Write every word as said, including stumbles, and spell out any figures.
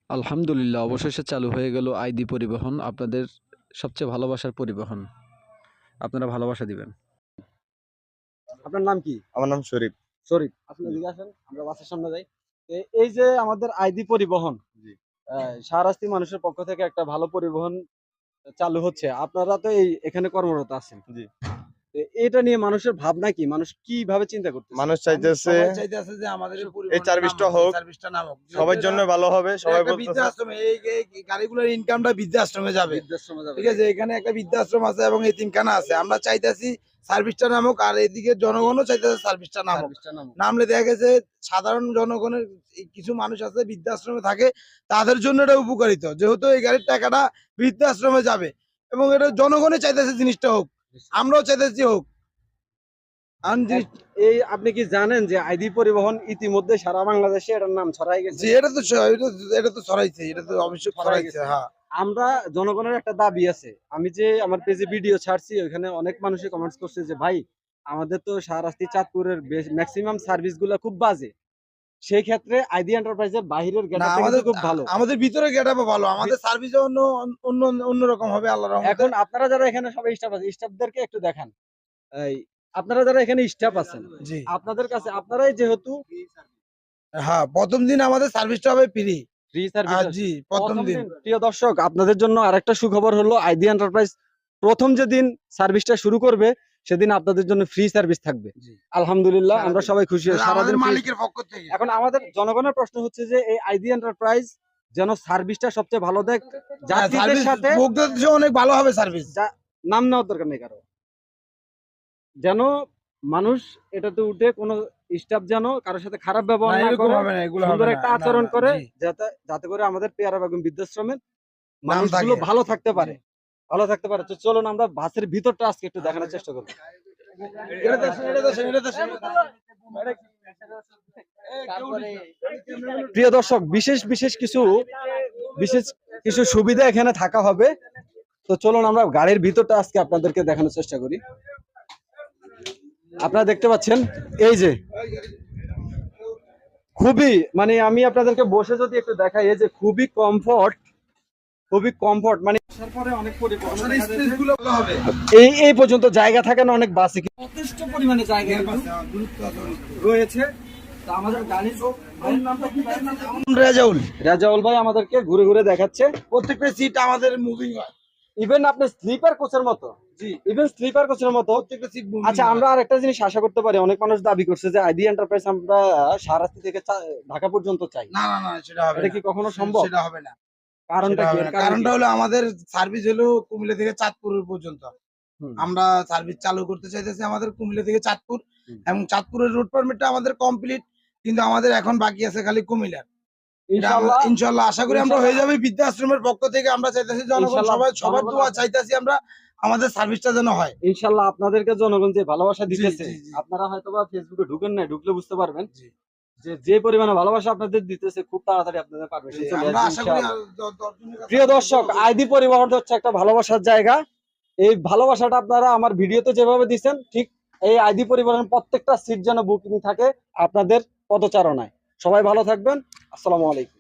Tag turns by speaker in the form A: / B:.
A: আলহামদুলিল্লাহ, অবশেষে চালু হয়ে গেল আইডি পরিবহন, আপনাদের সবচেয়ে ভালোবাসার পরিবহন। আপনারা ভালোবাসা দিবেন।
B: আপনার নাম কি?
C: আমার নাম শরীফ।
B: শরীফ, আপনি এদিকে আসেন, আমরা বাসের সামনে যাই। এ- এই যে আমাদের আইডি পরিবহন,
C: জি।
B: আহ, শাহরাস্তি মানুষের পক্ষ থেকে একটা ভালো পরিবহন চালু হচ্ছে, আপনারা তো এই এখানে কর্মরত আছেন।
C: জি।
B: এ- এটা নিয়ে মানুষের ভাবনা কি, মানুষ কিভাবে চিন্তা করতেছে?
C: মানুষ চাইতেছে
D: সবাই চাইতেছে যে আমাদের এই
C: এই
D: পরিবহনটা
C: সার্ভিসটা
D: নামুক,
C: হোক,
D: এই সার্ভিসটা নামুক।
C: সবার
D: যেহেতু
C: জন্য
D: এটা-
C: ভালো হবে।
D: এটা
C: সবাই
D: একটা
C: বলতেছে
D: বৃদ্ধাশ্রমে, এই এই গাড়িগুলোর ইনকামটা বৃদ্ধাশ্রমে যাবে।
B: বৃদ্ধাশ্রমে যাবে।
D: ঠিক আছে, এখানে একটা বৃদ্ধাশ্রম আছে এবং এতিমখানা আছে। আমরা চাইতেছি সার্ভিসটা নামুক, আর এদিকে জনগণও চাইতেছে সার্ভিসটা নামুক।
B: সার্ভিসটা নামুক।
D: নামলে দেখা গেছে সাধারণ জনগণের এই কিছু মানুষ আছে বৃদ্ধাশ্রমে থাকে, তাদের জন্য এটা উপকারিত, যেহেতু এই গাড়ির টাকাটা বৃদ্ধাশ্রমে যাবে এবং এটা জনগণই চাইতেছে জিনিসটা হোক, আমরাও চাইতেছি হোক। আর জিনিস-
B: এই আপনি কি জানেন যে আইডি পরিবহন ইতিমধ্যে সারা বাংলাদেশে এটার নাম ছড়াই গেছে?
D: জি, এটা তো ছ- এটা তো- এটা তো ছড়াইছে, এটা তো অবশ্যই
B: ছড়াই
D: ছড়াইছে।
B: গেছে।
D: হ্যাঁ,
B: আমরা জনগণের একটা দাবি আছে, আমি যে আমার পেজে ভিডিও ছাড়ছি ওখানে অনেক মানুষই কমেন্টস করছে যে ভাই আমাদের তো শাহরাস্তি চাঁদপুরের ম্যাক্সিমাম সার্ভিস গুলো খুব বাজে, সেই ক্ষেত্রে আইডি এন্টারপ্রাইজের বাহিরের
D: না,
B: গেটআপ
D: আমাদের
B: খুব ভালো।
D: আমাদের ভিতরে গেটআপও ভালো, আমাদের সার্ভিস অন্য অন্য অন্যরকম হবে আল্লাহর রহমতে।
B: এখন আপনারা যারা এখানে সবাই স্টাফ আছে, স্টাফদেরকে একটু দেখান। এই আপনারা যারা এখানে স্টাফ আছেন,
D: জি,
B: আপনাদের কাছে আপনারাই যেহেতু
D: হ্যাঁ, প্রথম দিন আমাদের সার্ভিসটা হবে ফ্রি।
B: ফ্রি
D: আর
B: সার্ভিস,
D: জি, প্রথম দিন।
B: প্রিয় দর্শক আপনাদের জন্য আরেকটা সুখবর হলো আইডি এন্টারপ্রাইজ প্রথম যেদিন সার্ভিসটা শুরু করবে সেদিন আপনাদের জন্য ফ্রি সার্ভিস থাকবে।
D: জি।
B: আলহামদুলিল্লাহ, আমরা সবাই খুশি হই।
D: আমাদের
B: সারাদিন free-
D: মালিকের পক্ষ থেকে।
B: এখন আমাদের জনগণের প্রশ্ন হচ্ছে যে এই আইডি এন্টারপ্রাইজ যেন সার্ভিসটা সবচেয়ে ভালো দেয়,
D: হ্যাঁ,
B: যাত্রীদের
D: সার্ভিস
B: সাথে
D: ভোক্তাদের জন্য অনেক ভালো হবে সার্ভিস।
B: যা- নাম নেওয়ার দরকার নেই কারো, যেন মানুষ এটাতে উঠে কোনো স্টাফ যেন কারোর সাথে খারাপ
D: না,
B: ব্যবহার না
D: এরকম
B: করে,
D: হবে না, এগুলো হবে
B: সুন্দর
D: না।
B: একটা
D: না,
B: আচরণ
D: না,
B: করে,
D: জি।
B: যাতে যাতে করে আমাদের পেয়ারা বেগম বৃদ্ধাশ্রমের
D: নাম
B: মানুষগুলো
D: থাকে।
B: ভালো থাকতে পারে, ভালো থাকতে পারে। তো চলুন আমরা বাসের ভিতরটা আজকে একটু দেখানোর চেষ্টা করবো।
D: এটা দেখেন, এটা দেখেন, এটা দেখেন।
B: প্রিয় দর্শক, বিশেষ বিশেষ কিছু বিশেষ কিছু সুবিধা এখানে থাকা হবে। তো চলুন আমরা গাড়ির ভিতরটা আজকে আপনাদেরকে দেখানোর চেষ্টা করি। আপনারা দেখতে পাচ্ছেন এই যে খুবই, মানে আমি আপনাদেরকে বসে যদি একটু দেখাই, এই যে খুবই কমফর্ট, খুবই কমফর্ট, মানে আসার পরে অনেক পরিবর্তন দেখা যাচ্ছে।
D: স্পেসগুলো ভালো হবে।
B: এই এই পর্যন্ত জায়গা থাকে না অনেক বাসে, যথেষ্ট পরিমাণে জায়গা রয়েছে। তো আমাদের গাড়ি ভাইয়ের নামটা কি? ভাইয়ের নামটা কি?
D: রেজাউল,
B: রাজাউল ভাই আমাদেরকে ঘুরে ঘুরে দেখাচ্ছে।
D: প্রত্যেকটা সিট আমাদের মুভিং হয়।
B: ইভেন আপনি স্লিপার কোচের মতো,
D: জি,
B: ইভেন স্লিপার কোচের মতো।
D: প্রত্যেকটা সিট মুভিং।
B: আচ্ছা, আমরা আর একটা জিনিস আশা করতে পারি, অনেক মানুষ দাবি করছে যে আইডি এন্টারপ্রাইজ আমরা শাহরাস্তি থেকে চা- ঢাকা পর্যন্ত চাই,
D: না না না, সেটা হবে
B: এটা
D: না।
B: কি কখনো সম্ভব?
D: সেটা হবে না।
B: কারণটা
D: সেটা
B: কি?
D: হবে না।
B: এর কারণ
D: কারণটা
B: কি?
D: হলো আমাদের সার্ভিস হলো কুমিল্লা থেকে চাঁদপুর পর্যন্ত।
B: হুম।
D: আমরা সার্ভিস চালু করতে চাইতেছি আমাদের কুমিল্লা থেকে চাঁদপুর,
B: হুম।
D: এবং চাঁদপুরের রুট পারমিটটা আমাদের কমপ্লিট, কিন্তু আমাদের এখন বাকি আছে খালি কুমিল্লার।
B: ইনশাআল্লাহ
D: ইনশাআল্লাহ আশা করি আমরা হয়ে যাবে। বৃদ্ধাশ্রমের পক্ষ থেকে আমরা চাইতেছি জনগণ
B: ইনশাআল্লাহ,
D: সবাই সবার
B: জনগণ
D: দোয়া
B: আপনার-
D: চাইতেছি আমরা, আমাদের সার্ভিসটা যেন হয়।
B: ইনশাআল্লাহ আপনাদেরকে জনগণ যে ভালোবাসা
D: জি,
B: দিতেছে,
D: জি, জি।
B: আপনারা হয়তোবা ফেসবুকে ঢুকেন না, ঢুকলে বুঝতে পারবেন
D: জি।
B: যে যে পরিমাণে ভালোবাসা আপনাদের দিতেছে, খুব তাড়াতাড়ি আপনাদের পারমিশন চলে
D: আমরা
B: আসবে
D: আশা করি
B: ইনশাআল্লাহ।
D: আর দ- দশজনের কাছে-
B: প্রিয় দর্শক, আইডি পরিবহন হচ্ছে একটা ভালোবাসার জায়গা। এই ভালোবাসাটা আপনারা আমার ভিডিওতে যেভাবে দিচ্ছেন, ঠিক এই আইডি পরিবহনের প্রত্যেকটা সিট যেন বুকিং থাকে আপনাদের পদচারণায়। সবাই ভালো থাকবেন। আসসালামু আলাইকুম।